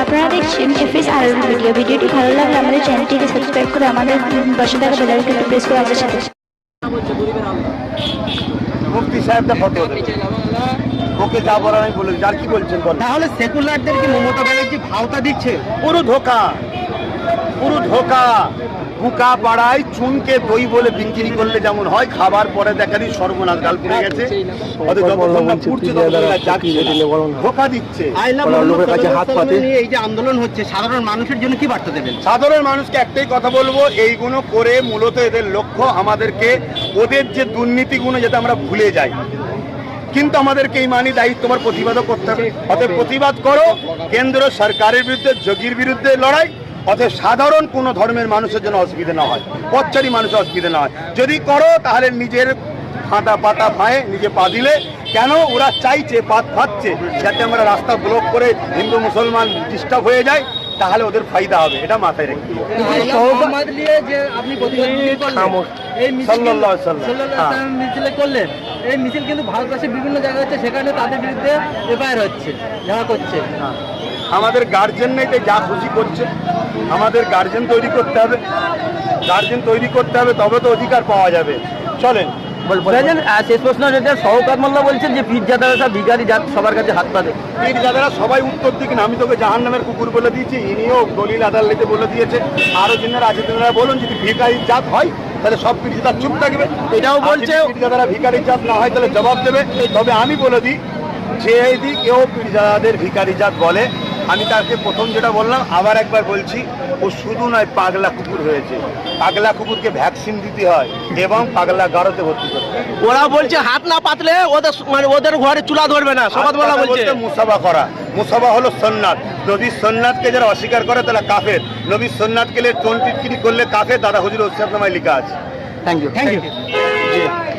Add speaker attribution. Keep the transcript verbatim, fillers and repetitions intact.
Speaker 1: আপনারা দেখছেন এফএস আর ভিডিও। ভিডিওটি ভালো লাগলে আমাদের চ্যানেলটিকে সাবস্ক্রাইব করে আমাদের পাশে থাকা বেল আইকনটি প্রেস করে আমাদের সাথে।
Speaker 2: মুফতি সাহেবটা ফটো ওকে যা বলার আমি বলে যার কি বলছেন বল।
Speaker 3: তাহলে সেকুলারদের কি মমতা ব্যানার্জি ভাওতা দিচ্ছে?
Speaker 2: পুরো ধোকা, পুরো ধোকা। বুকা পাড়ায় চুনকে দই বলে বিক্রি করলে যেমন হয়, খাবার পরে দেখারই সর্বনাশ গাল পড়ে গেছে। ধোকা দিচ্ছে।
Speaker 3: লোকের কাছে হাত পাতে এই যে আন্দোলন হচ্ছে, সাধারণ মানুষের জন্য কি বার্তা দেবেন?
Speaker 2: সাধারণ মানুষকে একটাই কথা বলবো, এইগুলো করে মূলত এদের লক্ষ্য আমাদেরকে ওদের যে দুর্নীতিগুলো যাতে আমরা ভুলে যাই। কিন্তু আমাদেরকে এই মানি দায়িত্ব তোমার প্রতিবাদও করতে হবে। অতএব প্রতিবাদ করো, কেন্দ্র সরকারের বিরুদ্ধে, যোগীর বিরুদ্ধে লড়াই। অতএব সাধারণ কোনো ধর্মের মানুষের জন্য অসুবিধা না হয়, পথচারী মানুষের অসুবিধা না হয়। যদি করো তাহলে নিজের ফাঁটা পাতা ফাঁয়ে নিজে পা দিলে, কেন ওরা চাইছে পাত ফাঁচ্ছে যাতে আমরা রাস্তা ব্লক করে হিন্দু মুসলমান ডিস্টার্ব হয়ে যায়, তাহলে ওদের ফায়দা হবে, এটা মাথায় রেখে
Speaker 3: করলেন। এই মিছিল কিন্তু ভারতবর্ষের বিভিন্ন জায়গায় হচ্ছে, সেখানে তাদের বিরুদ্ধে এফআইআর হচ্ছে, যা করছে।
Speaker 2: আমাদের গার্জেন নেই, যা খুশি করছে। আমাদের গার্জেন তৈরি করতে হবে, গার্জেন তৈরি করতে হবে, তবে তো অধিকার পাওয়া যাবে। চলেন
Speaker 3: শেষ প্রশ্ন যেটা শওকত মোল্লা বলছেন যে পীরজাদারা সব ভিখারি জাত, সবার কাছে হাত পাতে।
Speaker 2: পীরজাদারা সবাই উত্তর দিক না, আমি তোকে জাহান নামের কুকুর বলে দিয়েছি, ইনিও দলিল আদালতে বলে দিয়েছে। আরো যিনারা আছে তেনারা বলুন, যদি ভিখারি জাত হয় তাহলে সব পীরজাদা চুপ থাকবে।
Speaker 3: এটাও বলছে
Speaker 2: পীরজাদারা ভিখারি জাত না হয় তাহলে জবাব দেবে। তবে আমি বলে দিই, যে যদি কেউ পীরজাদাদের ভিখারি জাত বলে, আমি তাকে প্রথম যেটা বললাম আবার একবার বলছি, ও শুধু নয় পাগলা কুকুর হয়েছে। পাগলা কুকুরকে ভ্যাকসিন দিতে হয় এবং পাগলা গারোতে ভর্তি করতে হয়।
Speaker 3: ওরা বলছে হাত না পাতলে ওদের মানে ওদের ঘরে চুলা ধরবে না, শপথ বলা বলছে।
Speaker 2: মুসাফা করা, মুসাফা হলো সুন্নাত। নবীর সুন্নাতকে যারা অস্বীকার করে তারা কাফের। নবীর সুন্নাতকে টোন টিটকিরি করলে কাফের। দাদা হুজুর ওসিয়াতনামায় লেখা আছে।
Speaker 3: Thank you thank you